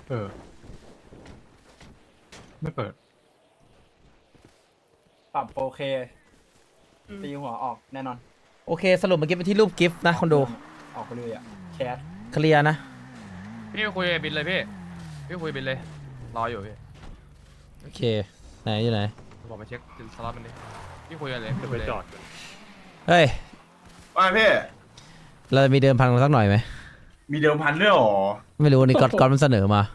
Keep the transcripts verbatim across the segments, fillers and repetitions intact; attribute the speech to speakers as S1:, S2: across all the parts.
S1: เออไม่เปิด
S2: ปรับโอเคตีหัวออกแน่นอน
S3: โอเคสรุปเมื่อกี้ไปที่รูปกิฟต์นะคนดู
S2: ออกไปเลยอ่ะแคส
S3: เคลียร์นะ
S4: พี่คุยกับบินเลยพี่พี่คุยบินเลยรออยู่พี่
S3: โอเคไหนอยู่ไหน
S4: บอกมาเช็คสล็อตมันดิพี่คุยกันเลย
S1: จะไปจอด
S3: เฮ้ย
S5: ว่าพี่
S3: เรามีเดิมพันกันสักหน่อยไหม
S5: มีเดิมพันด้วยหรอ
S3: ไม่รู้นี่ก๊อตก๊อตมันเสนอมา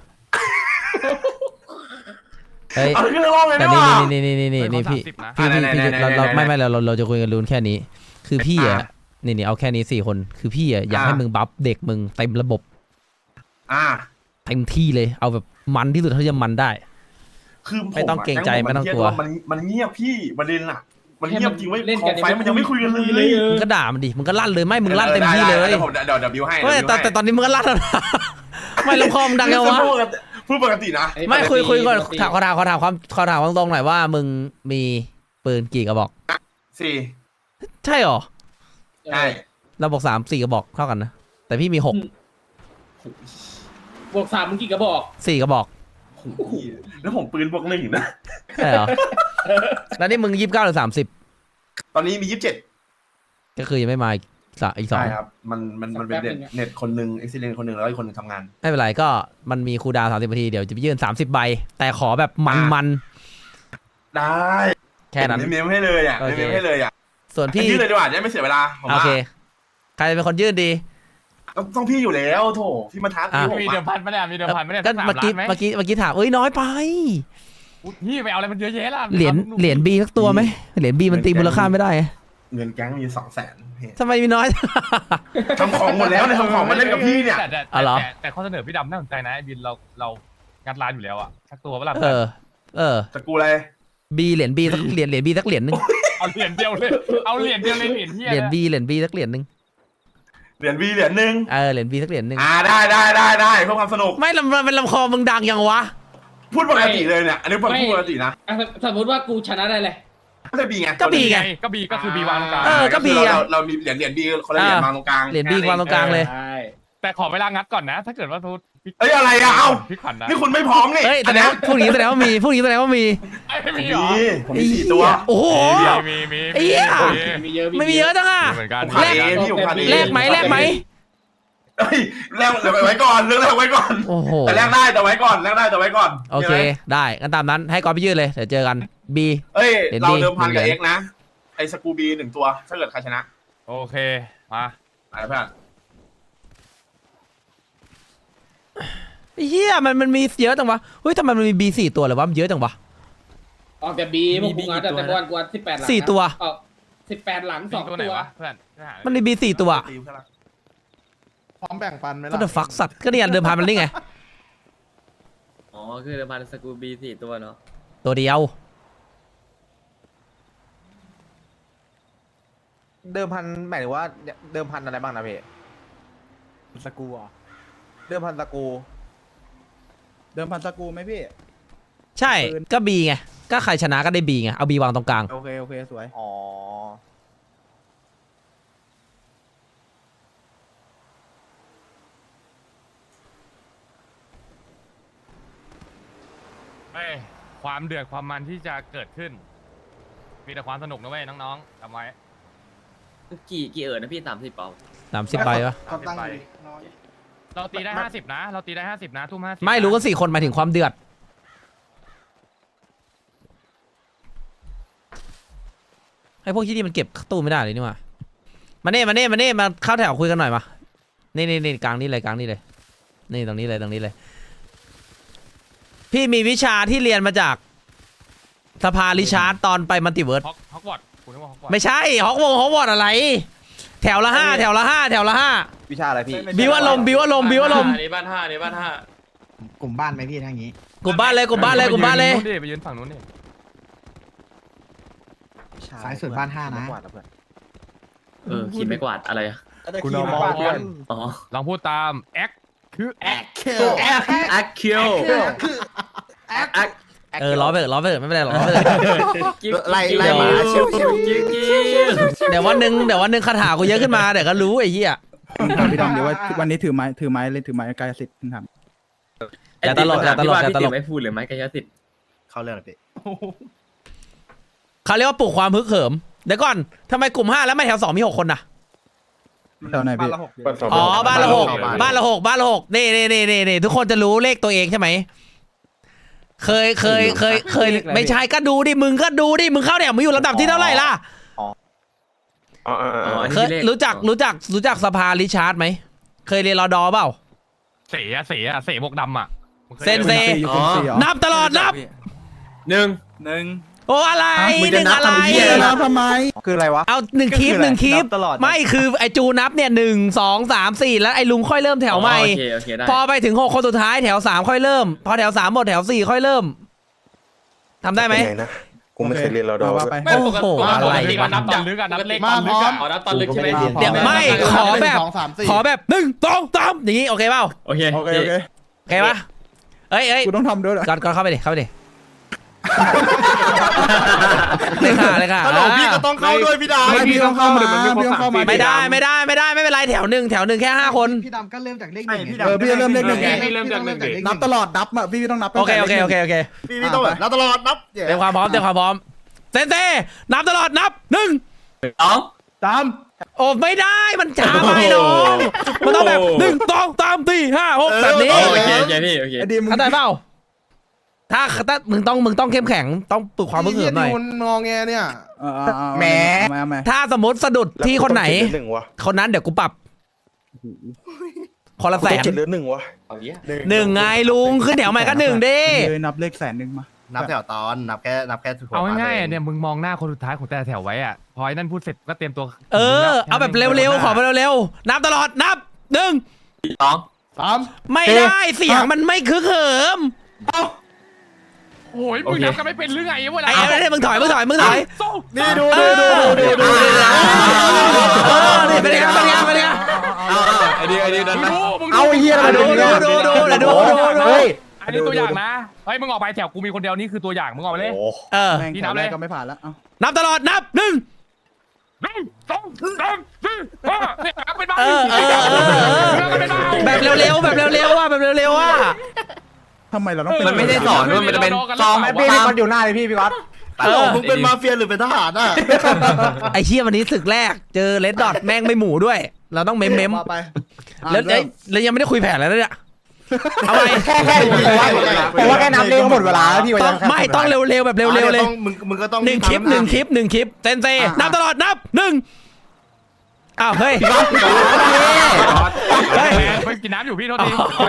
S3: เฮ้ย
S5: เอาขึ้นเรื่องเลย
S3: แต่
S5: ดีก
S3: นี่
S5: ว่า
S3: นี่นี่นี่นี่นี่พี่
S4: สิบนะ
S3: พี่พี่
S5: ไหน
S3: พี่
S5: ไหน
S3: เราเรา
S5: ไหนไหน
S3: ไม่ไม่เราเราเราจะคุยกันรูนแค่นี้ คือพี่อ่ะ
S5: อ่ะ
S3: นี่นี่เอาแค่นี้สี่คนคือพี่อ่ะอยาก
S5: อ่ะ
S3: ให้มึงบัฟเด็กมึงเต็มระบบ
S5: อ่า
S3: เต็มที่เลยเอาแบบมันที่สุดเท่าที่จะมันได้
S5: คือผ
S3: ไม่ต้องเกรงใจ
S5: ะ
S3: ไม่ต้องกลัว
S5: มันมันเงียบพี่ประเด็นน่ะ มันเงียบจริงไว้ย
S6: เล่น
S5: ขอ
S6: กัน
S5: งไฟมันยังไม่คุยกันเลย
S3: มึงก็ด่ามันดิมึงก็ลั่นเลยไม่มึงลั่นเต็มที่เลย
S5: ดี๋วผมเดี๋ยวเดี๋ยวบิวให้
S3: เฮ้ย
S5: เดี๋ยว
S3: แต่
S5: บิวให้
S3: แต่ตอนนี้มึงก็ลั่นแล้วนะไม่ลำคอมงดังยังวะ
S5: พูดปกตินะ
S3: ไม่คุยคุยก่อนถามขอถามขอถามความขอถามตรงๆหน่อยว่ามึงมีปืนกี่กระบอก
S5: สี่
S3: ใช่หรอ
S5: ใช่
S3: เราบอกสามสี่กระบอกเท่ากันนะแต่พี่มีหก
S6: บวกสามมึงกี่กระบอก
S3: สี่กระบอก
S5: โอ้โหแล้วผมปืนบวกหนึ่งนะ
S3: ใช่เหรอแล้วนี่มึงยี่สิบเก้าหรือสามสิบ
S5: ตอนนี้มียี่สิบเจ็ด
S3: ก็คือยังไม่มาอีกสะอีกสอง
S5: ใช่ครับ มันมันมันเป็นเน็ตเน็ตคนหนึ่งเอ็กซิเลนคนหนึ่งแล้วอีกคนหนึ่งทำงาน
S3: ไม่เป็นไรก็มันมีคูลดาวน์สามสิบนาทีเดี๋ยวจะไปยื่นสามสิบใบแต่ขอแบบมันมัน
S5: ได้
S3: ๆแค่นั้น
S5: ไม่เมมให้เลยอ่ะ
S3: โอ
S5: ไม่
S3: เค
S5: เมมให้เลยอ่ะ
S3: ส่วนพี่
S5: ยื่นเลยดีกว่าจะได้ไม่เสียเวลาผม
S3: โอ
S5: ว่า
S3: เคใครเป็นคนยื่นดี
S5: ต้องต้องพี่อยู่แล้วโถพี่มาทัก
S3: อ่ะ
S5: พี่ผม
S4: มีเดิม
S5: อะ
S4: พันไหมเนี่ยมีเดิมพันไหมเนี่ย
S3: ก็
S4: สักสาม
S3: เมื่อกี้
S4: ล้านไหม
S3: เมื่อกี้เมื่อกี้ถามเอ้ยน้อยไป
S4: อุ๊ยพี่ไปเอาอะไรมันเยอะแยะล่ะ
S3: เหรียญเหรียญบีสักตัวไหมเหรียญบีมันตีมูลค่าไม่ได้
S5: เงินแก๊งมีสองแสน
S3: ทำไมมีน้อย
S5: ทำของหมดแล้วเนี่ยทำของมาเล่นกับพี่เนี่ย
S4: แต่แต่
S3: อ๋อเหรอ
S4: แต่แต่ข้อเสนอพี่ดำน่าสนใจนะไอ้บินเราเรางัดร้านอยู่แล้วอะสักตัวเวลา
S3: เออ เออ
S5: จะกูอะไร
S3: บีเหรียญบีสักเหรียญเหรียญบีสักเหรียญหนึง
S4: เอาเหรียญเดียวเลยเอาเหรียญเดียวเลยเหรียญเฮีย
S3: เหรียญบีเหรียญบีสักเหรียญหนึง
S5: เหรียญวีเหรียญหนึ่ง
S3: เออเหรียญบีสักเหรียญหนึง
S5: อ่าได้ได้ได้ได้เพื่อความสนุก
S3: ไม่ลำเป็นลำคอมึงดังยังวะ
S5: พูดปกติเลยเนี่ยอันนี้พูดปกตินะ
S6: อ่ะสมมติว่ากูชนะได้เลย
S5: ก็จะบีไง
S3: ก็บีไง
S4: ก็บีก็คือบีวางตรงกลาง
S3: เออก็บี
S5: คือ
S3: อะ
S5: เราเรามีเหรียญเหรียญบีคนละเหรียญ
S3: อ่า
S5: วางตรงกลาง
S3: เหรียญบีวางตรงกลางเลย
S6: ใช่
S4: แต่ขอเวลางัดก่อนนะ ถ้าเกิดว่าทุก
S5: เอ้ยอะไรอะเอ้า
S4: พี่ขวัญนะ
S5: นี่คุณไม่พร้อมนี่
S3: เฮ้ยแสดงว่าพวกนี้แสดงว่ามีพวกนี้แสดงว่ามี
S4: ไอ้ไม่
S5: มี
S4: มีเหรอ
S5: ผมมีสี่ตัว
S3: โอ้โห
S4: มีมีมี
S3: ไอ้เหี้ย
S6: มีเยอะ
S3: ไม่มีเยอะจังอ่ะ
S4: เหมือนกัน
S5: ผมขาดเองพี่ผมขาดเอง
S3: แลกไหมแลกไหม
S5: เฮ้ยแลกเดี๋ยวไว้ก่อนเรื่องแรกไว้ก่อน
S3: โอ้โห
S5: แต่แลกได้แต่ไว้ก่อนแลกได้แต่ไว้ก่อน
S3: โอเคได้งั้นตามนั้นให้กอนไปยืดเลยเดี๋ยวเจอกันบี
S5: เอ้ย
S3: เหรียญ
S5: เรา
S3: B
S5: เดิมพันกับ
S3: เหรี
S5: เอ็
S3: ยญ
S5: กนะไอ้สกูบีหนึ่งตัวถ้าเกิดใครชนะ
S4: โอเคมา
S5: อะไรเพื่อน
S3: ไอ้เฮียมันมันมีเยอะจังวะเฮ้ยทำไมมันมีบีสี่ตัวเลยวะมันเยอะจังวะ
S6: ออกแต่บีพวกกูงัดแต่แต่บอลกูงัดสิบแปดหลัง
S3: สี่ตัว
S6: ออกสิบแปดหลังสอง
S4: ตัวไหน
S6: ตัว
S4: วะเพื่อน
S3: มันมีบีสี่ตัว
S5: ตีเพื่อนละ
S7: พร้อมแบ่งปันไหม
S3: ก็
S7: ล่ะ
S3: เดอะฟักสัตว์ก็เนี่ยเดิมพันมันนี่ไง
S8: อ๋อ คือเดิมพันสกูบีสี่ตัวเนาะ
S3: ตัวเดียว
S7: เดิมพันหมายถึงว่าเดิมพันอะไรบ้างนะพี่
S2: สกูอ่ะ
S7: เดิมพันสกรู
S2: เดิมพันสกูไหมพี่
S3: ใช่ก็บีไงก็ใครชนะก็ได้บีไงเอาบีวางตรงกลาง
S2: โอเค โอเค สวย
S7: อ๋อ
S4: ไม่ความเดือดความมันที่จะเกิดขึ้น มีแต่ความสนุกนะเว้ยน้องๆจำไว้
S8: กี่กี่เอิร์ดนะพี่สามสิบเปล่า
S3: สามสิบใบวะ
S7: เขาตั้ง
S4: ไป
S7: น้อย
S4: เราตีได้ห้าสิบนะ เราตีได้ห้าสิบนะทุ่มห้าสิบ
S3: ไม่รู้ก็สี่คนหมายถึงความเดือดไอ้พวกที่นี่มันเก็บตู้ไม่ได้เลยนี่หว่ามาเน่มาเน่มาเน่มาเข้าแถวคุยกันหน่อยมานี่นี่นี่กลางนี่เลยกลางนี่เลยนี่ตรงนี้เลยตรงนี้เลย พี่มีวิชาที่เรียนมาจากสภาริชาร์ดตอนไปมัลติเวิร์ส
S4: ฮอกฮอกวอตคุณนึกว่าฮอกวอต
S3: ไม่ใช่ฮอกวงฮอกวอตอะไร แถวละห้าแถวละห้าแถวละห้า
S7: วิชาอะไรพี่
S3: บิวอารมณ์บิวอารมณ์บิวอารมณ์
S8: ในบ้านห้าในบ้านห้าก
S9: ลุ่มบ้านไหมพี่ทางนี้
S3: กลุ่มบ้านเลยกลุ่มบ้านเลยกลุ่มบ้านเลย
S4: ไปยืนไปยืนฝั่งนู้นดิ
S9: สายสุดบ้านห้านะ
S8: เออขีดไม่กวาดอะไรอะ
S7: คุณเอามองเพื่อน
S8: อ๋อ
S4: ลองพูดตามแอคคือแอค
S8: แอคคิวแอค
S3: เออล้อไปเถอะล้อไปเถอะไม่เป็นไรหรอกล้อไปเถอะ
S9: ไล่ไล่หมาเชี่ยวเชี่ยว
S8: กิ้วกิ้ว
S3: เดี๋ยววันหนึ่งเดี๋ยววันหนึ่งคาถากูเยอะขึ้นมาเดี๋ยวก็รู้ไอ้เหี้ย
S2: พี่ดำเดี๋ยวว่าวันนี้ถือไม้ถือไม้เลยถือไม้กายสิทธิ์ทำ
S3: ไอ้อย่าตลกอย่าตลกอย่าตลก
S8: พี่ไม่พูดเลยไหมกายสิทธิ์
S9: เข้าเรื่องเลยพี่
S3: เขาเรียกว่าปลุกความฮึกเหิมเดี๋ยวก่อนทำไมกลุ่มห้าแล้วไม่แถวสองมีหกคนน่ะ
S9: แถวไหนพี่
S3: อ๋อบ้านละหกบ้านละหกบ้านละหกนี่นี่นี่นี่นี่ทุกคนจะรู้เลขตัวเองใช่ไหมเคยเคยเคยเคยไม่ใช่ก็ดูดิมึงก็ดูดิมึงเข้าแถวมึงอยู่ลำดับที่เท่าไหร่ล่ะ
S8: อ๋ออัน
S3: เค
S8: นี้
S3: ย
S8: เลข
S3: รู้จักรู้จักรู้จักสภาริชาร์ดไหมเคยเรียนรอดอเปล่า
S4: เสียเสียเสียหมวกดำอ่ะ
S3: เซนเซ
S8: อ๋อ
S3: นับตลอดนับ
S8: หนึ่ง
S2: หนึ่ง
S3: โอ้อะไร
S9: มึง
S3: ห
S9: จะ
S3: นึ่ง
S9: นับ
S3: อะไร
S9: ทำเหี้ยอะไรนะทำไม คืออะไรวะ
S3: เอาหนึ่งคลิปหนึ่งคลิป
S2: นับตลอด
S3: ไม่คือไอจูนับเนี่ยหนึ่งสองสามสี่แล้วไอลุงค่อยเริ่มแถวใหม่
S8: โอเคโอเคได้
S3: พอไปถึงหกคนสุดท้ายแถวสามค่อยเริ่ม พอแถวสามหมดแถวสี่ค่อยเริ่มทำได้ไหม
S1: กูไม่เคยเรียนรอดอ
S9: ว่าไป
S4: ไม่ปกติ
S3: โอ้โหอะไร
S4: ปกติมันนับตอนลึกอะนับเลขตอนลึกอะ
S6: อ๋อนับตอนลึกใช่ไหม
S3: เดี๋ยวไม่ขอแบบขอแบบหนึ่งสองสามอย่างนี้โอเคเปล่า
S8: โอเค
S9: โอเคโอเค
S3: โอเคปะเอ้ยเอ้ย
S9: กูต้องทำด้วยเหรอ
S3: ก่อนก่อนเข้าไปดิเข้าไปดิเลยค่ะเลยค่ะ
S9: ฮัลโหลพี่ก็ต้องเข้าด้วยพี่ดาไม่พี่ต้องเข้ามาพี่ต้องเข้ามา
S3: ไม่ได้ไม่ได้ไม่ได้ไม่เป็นไรแถวหนึ่งแถวหนึ่งแค่ห้าคน
S9: พี่ดำก็เริ่มจากเลขหนึ่งเออพี่เริ่มเลขหนึ่ง
S6: พี่เริ่มจากหนึ่งดิ
S9: นับตลอดนับอ่ะพี่ต้องนับ
S3: โอเคโอเคโอเคโอเค
S9: พี่พี่ต้องแบบนับตลอดนับ
S3: เตรียมความพร้อมเตรียมความพร้อมเซนเซนับตลอดนับหนึ่ง
S8: สอง
S9: ตาม
S3: โอ้ไม่ได้มันช้าไปน้องมันต้องแบบหนึ่งสองสามสี่ห้าหกแบบนี้
S8: โอเคโอเคพี่โอเค
S9: ไอ้ดีมึง
S3: เข้าใจเปล่าถ้าถ้ามึงต้องมึงต้องเข้มแข็งต้องปลุกความมึกเหิมหน่อย
S9: งอแงเนี่ยแหมแหม
S3: ถ้าสมมติสะดุดที่คนไหน
S1: หนึ่งวะ
S3: คนนั้นเดี๋ยวกูปรับคนละแส
S1: ต้อง
S3: น
S1: เจ็ดหรือหนึ่งวะ
S3: หนึ่งไงลุงขึ้นแถวใหม่ก็หนึ่งดิ
S9: เลยนับเลขแสนหนึ่งมา นับแถวตอนนับแค่นับแค่
S4: เอาง่ายๆเนี่ยมึงมองหน้าคนสุดท้ายของแต่ละแถวไว้อ่ะพอไอ้นั่นพูดเสร็จก็เตรียมตัว
S3: เออเอาแบบเร็วๆขอไปเร็วๆนับตลอดนับหนึ่ง
S8: สอง
S9: สาม
S3: ไม่ได้เสียงมันไม่คึกเหิม
S4: โอ้ยมึงนับกันไม่เป็นหรือไงเวลา
S3: ไอ้ไอ้มึงถอยมึงถอยมึงถอย
S9: นี่ดูดูดูดูดู
S3: เออนี่เป็นไงเป็นไงเป็นไง
S8: ไอเดียไอเดียนั้น
S4: มึงดูมึง
S9: เอาเฮีย
S3: ดูดูดูดูเดี๋ยวดูดูดู
S4: อันนี้ตัวอย่างนะเฮ้ยมึงออกไปแถวกูมีคนเดียวนี่คือตัวอย่างมึงออกไปเลย
S3: เออ
S9: แม่งแถวแรกก็ไม่ผ่านแล้ว
S3: นับตลอดนับหนึ่ง
S4: หนึ่งสองสามสี่ห้าเนี่ยนับเป็นบ้า
S3: เออเออเออเออ
S4: เป็นบ้า
S3: แบบเร็วๆแบบเร็วๆว่ะแบบเร็วๆว่ะ
S9: ทำไมเราต้อง
S8: มันไม่ได้สอนด้วยมันจะเป็นซอง
S7: พี่พี่ก๊อตอยู่หน้าเลยพี่พี่ก๊อต
S3: เออ
S9: มึงเป็นมาเฟียหรือเป็นทหารอ่ะ
S3: ไอ้เชี่ยวันนี้ศึกแรกเจอเลดดอทแม่งไม่หมูด้วย เราต้องเม้มเม้ม
S9: ไป
S3: แล้วเอ้ยแล้วยังไม่ได้คุยแผนแล้วเนี่ยเอาไป
S7: แค่แค่ผมว่าแค่นับเลขก็หมดเวลาแล้วพี่ว่า
S3: ต้
S7: ยั
S3: อง
S7: ง
S3: ไม่ต้องเร็วๆแบบเร็วๆเลย
S9: มึงมึงก็ต้อง
S3: หนึ่งคลิปหนึ่งคลิปหนึ่งคลิปเซนเซนับตลอดนับหนึ่งอ้าวเฮ้ย
S4: เฮ้ยไปกินน้ำอยู่พี่โทษที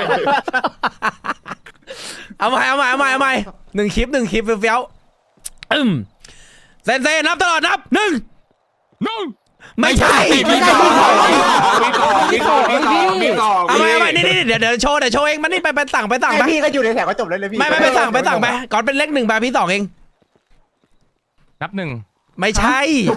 S3: เอาใหม่เอาใหม่เอาใหม่เอาใหม่หนึ่งคลิปหนึ่งคลิปเฟี้ยวๆอืมเซนเซนับตลอดนับหนึ่ง
S4: หนึ่ง
S3: ไม่ใช่
S7: ไม่ใช่พี่ก๊อตพี่ก๊อตพี่ก๊อตพี่ก๊อต
S3: เอาใหม่เอาใหม่นี่นี่เดี๋ยวเดี๋ยวโชว์เดี๋ยวโชว์เองมันนี่ไปไปสั่งไปสั่งไป
S7: พี่ก็อยู่ในแถวก็จบเลยเลยพี่
S3: ไม่ไม่ไปสั่งไปสั่งไปก่อนเป็นเลขหนึ่งไปพี่สองเอง
S4: นับหนึ่ง
S3: ไม่ใช่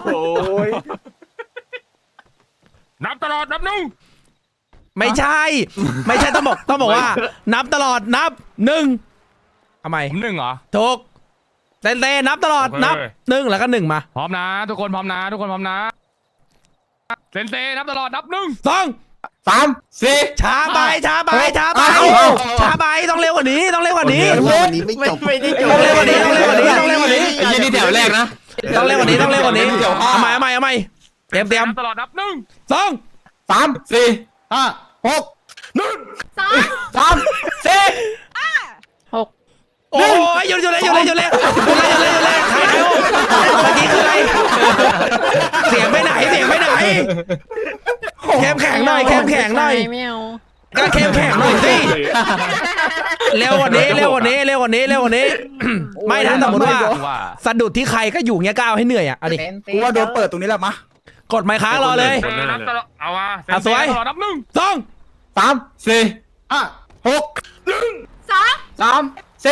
S4: นับตลอดนับหนึ่ง
S3: ไม่ใช่ ไม่ใช่ต้องบอกต้องบอกว่า นับตลอดนับหนึ่งทำไม
S4: ผมหนึ่งเหรอ
S3: ถูกเซนเซนับตลอด
S4: โอเค
S3: นับหนึ่งแล้วก็หนึ่งมา
S4: พร้อมนะ ทุกคนพร้อมนะ ทุกคนพร้อมนะเซนเซนับตลอดนับหนึ่ง
S3: สอง
S7: สามสี่
S3: ช้าไปช้าไปช้าไป
S7: เอา
S3: ช้าไปต้องเร็วกว่านี้ต้องเร็วกว่านี้
S9: วันนี้ไม่จบไม่ได้จบ
S3: ต้องเร็วกว่านี้ต้องเร็วกว่านี้ต้องเร็วกว่านี้
S8: ไอ้ยี่นี่แถวแรกนะ
S3: ต้องเร็วกว่านี้ต้องเร็วกว่านี้เอาใหม่เอาใหม่เอาใหม่เตรียมเตรียม
S4: นับตลอดนับหนึ่ง
S3: สอง
S7: สามสี่ห้าหก
S3: สามสี่หกโอ้ยหยุดหยุดเลยหยุดเลยหยุดเลยหยุดเลยหยุดเลยหยุดเลยใครใครโอ้เมื่อกี้คืออะไรเสียงไปไหนเสียงไปไหนเข้มแข็งหน่อยเข้มแข็งหน่อยก็เข้มแข็งหน่อยสิเร็วกว่านี้เร็วกว่านี้เร็วกว่านี้เร็วกว่านี้ไม่ถ้าสมมติว่า
S4: ว่า
S3: สะดุดที่ใครก็อยู่เงี้ยก้าวให้เหนื่อยอ่ะเอาดิ
S9: กูว่าโดนเปิดตรงนี้แหละมะ
S3: กดไม้ค้างรอเลย
S4: เซนเซนับตลอดเอามาเซน
S3: อ่ะ
S4: เซ
S3: สวย
S4: นับตลอดนับหนึ่ง
S3: สอง
S7: สามสี่
S9: ห้า
S7: หกสามสี่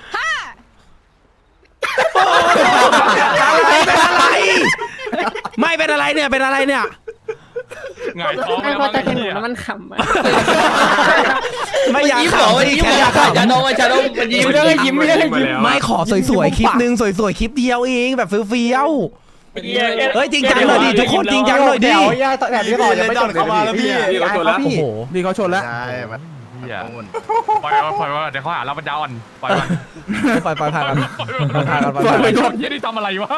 S3: เป็นอะไรไม่เป็นอะไรเนี่ยเป็นอะไรเนี่ย
S4: หงายท้อง
S10: ไม่
S4: แล้ว
S10: พอจะ
S4: มั้ง
S10: เห็นหนู
S4: เนี่ย
S10: แล้วมันขำอะ
S3: ไม่อยากขำสิแค่อยากขำ
S8: ชาโดชาโดมันยิ้มได้ยิ้มไม่ได้ยิ้ม
S3: ไม่ขอสวยๆคลิปนึงสวยๆคลิปเดียวเองแบบเฟี้ยวๆเฮ้ยจริงจังหน่อยดิทุกคนจริงจังหน่อยดิ
S7: แถวแถวที่ต่อยังไม่จบเข้ามาแล้วพี่
S3: โอ้โห
S9: พี่เขาชนแล้ว
S7: ใช่
S4: เหี้ยปล่อยปล่อยเดี๋ยวเขาหาเราปัญญาอ่อนปล่อยมัน
S3: ปล่อยปล่อยผ่านกัน
S4: ปล่อย
S3: ผ่านกัน
S4: ปล่อยไปโดนเหี้ยนี่ทำอะไรวะ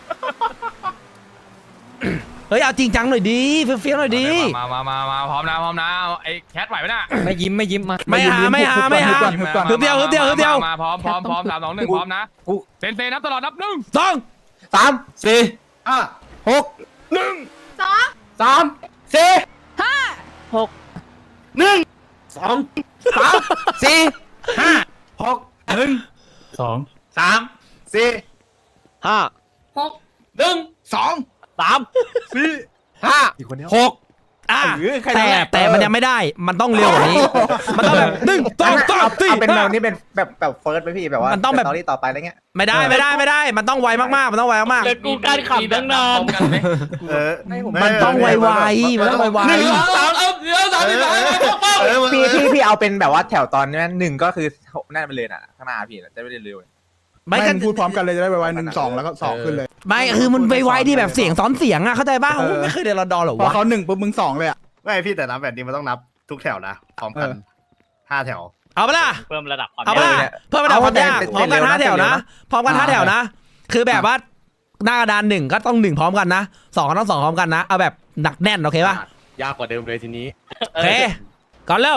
S3: เฮ้ยเอาจริงจังหน่อยดิเฟี้ยวๆหน่อยดิ
S4: มามามามาพร้อมนะพร้อมนะไอ้แคทไหวไหมน่ะ
S8: ไม่ยิ้มไม่ยิ้มมา
S3: ไม่หาไม่หาไม่หา ฮึบเดียวฮึบเดียวฮึบเดียว
S4: มาพร้อมพร้อมพร้อมสามสองหนึ่งพร้อมนะเซนเซนับตลอดนับหนึ่ง
S3: สอง
S9: สามสี่
S5: ห้า
S9: หกหนึ่ง
S10: สอง
S9: สามสี่
S10: ห้า
S9: หนึ่งสองสามสี่ห้าหกหนึ่ง
S2: สอง
S9: สามสี่ห้า
S6: หก
S9: หนึ่งสองสามสี่ห้าหก
S3: อ่ะ
S9: เออใคร
S3: แต่
S9: นั่นแหละ
S3: แต่มันยังไม่ได้มันต้องเร็วกว่านี้ มันต้องแบบหนึ่งสองสามสี่
S2: เอาเป็นแบ
S3: ห้า
S2: บนี้เป็นแบบแบบเฟิร์สไหมพี่แบบว่า
S3: มันต้องแบบ
S2: สตอรี่ต่อไปอะไรเงี้ย
S3: ไม่ได้ไม่ได้ไม่ได้ มันต้องไวมากๆมันต้องไวมาก
S8: เด็กกูการขับตั้งนาน
S9: เออ
S3: ๆมันต้องไวไวๆมันต้องไวไว
S9: หนึ่ง
S6: สามเอาเดี๋ยวสามสิบสาม
S9: เออ
S2: พี่พี่พี่เอาเป็นแบบว่าแถวตอนนี้หนึ่งก็คือนั่นไปเลยน่ะข้างหน้าพี่จะไม่ได้เร็ว
S3: ไม่
S9: ไม่
S3: ก็
S9: กันพูดพร้อมกันเลยจะได้ไวๆหนึ่งสองแล้วก็สองขึ้นเลย
S3: ไม่คือมันไวไวๆที่แบบเสียงซ้อนเสียงอ่ะเข้าใจป่ะ
S9: เออ
S3: โอ้ไม่เคยเรียนรอดอหรอ
S9: พอ
S3: วะ
S9: เขาหนึ่งปุ๊บมึงสองเลยอ่ะไม่พี่แต่นับแบบนี้มันต้องนับทุกแถวนะพร้อมกันห้าแถว
S3: เอาปะล่ะ
S8: เพิ่มระดับความ
S3: เอาปะล่ะเพิ่มระดับความยากพร้อมกันห้าแถวนะพร้อมกันห้าแถวนะ คือแบบว่าหน้ากระดานหนึ่งก็ต้องหนึ่งพร้อมกันนะสองก็ต้องสองพร้อมกันนะเอาแบบหนักแน่นโอเคป่ะ
S9: ยากกว่าเดิมเลยทีนี้
S3: โอเคก่อนเริ่ม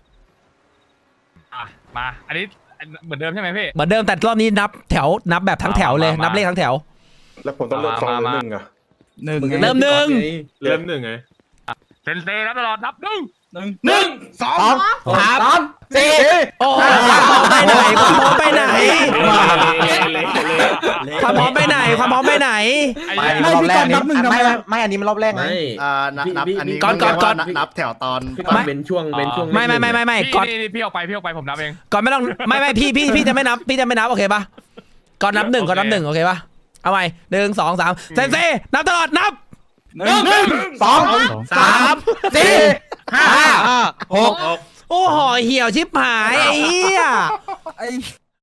S4: อ่ะมาอันนี้เหมือนเดิมใช่ไหมพี่
S3: เหมือนเดิมแต่รอบนี้นับแถวนับแบบทั้งแถวเลย
S4: มามานั
S3: นับเลขทั้งแถว
S1: แล้วผมต้องเลือกสองหรือหนึ่งอะ
S9: หนึ่ง
S3: เริ่มหนึ่ง
S1: เริ่มหนึ่งไง
S4: เซนเซนับตลอดนับหนึ่ง
S9: หนึ่งสองสามสี่
S3: โอ้โหความพร้อมไปไหนความพร้อมไปไหนความพร้อมไปไหนความพร้อมไปไหน
S4: ไอ้
S2: ๆไม่
S4: เหี้ย
S2: รอบแรกนี่ไม่ไม่ไม่อันนี้มันรอบแรกไง
S5: อ่านับนับอันนี้
S3: ก่อนก่อนก่อน
S5: นับแถวตอน
S3: ไม่
S8: เป็นช่วงเป็นช่วง
S3: ไม่ไม่ไม่ไม่ไม่
S4: พี่
S3: ก่อน
S4: นี่นี่พี่เอาไปพี่เอาไปผมนับเอง
S3: ก่อนไม่ต้องไม่ไม่พี่พี่พี่จะไม่นับพี่จะไม่นับโอเคป่ะก่อนนับหนึ่งก่อนนับหนึ่งโอเคป่ะเอาใหม่หนึ่งสองสามเซนเซ่นับตลอดนับ
S9: หนึ่งหนึ่งสองสามสี่ห้าหก
S3: โอ้โหเหี่ยวชิบหายไอ้เหี้ย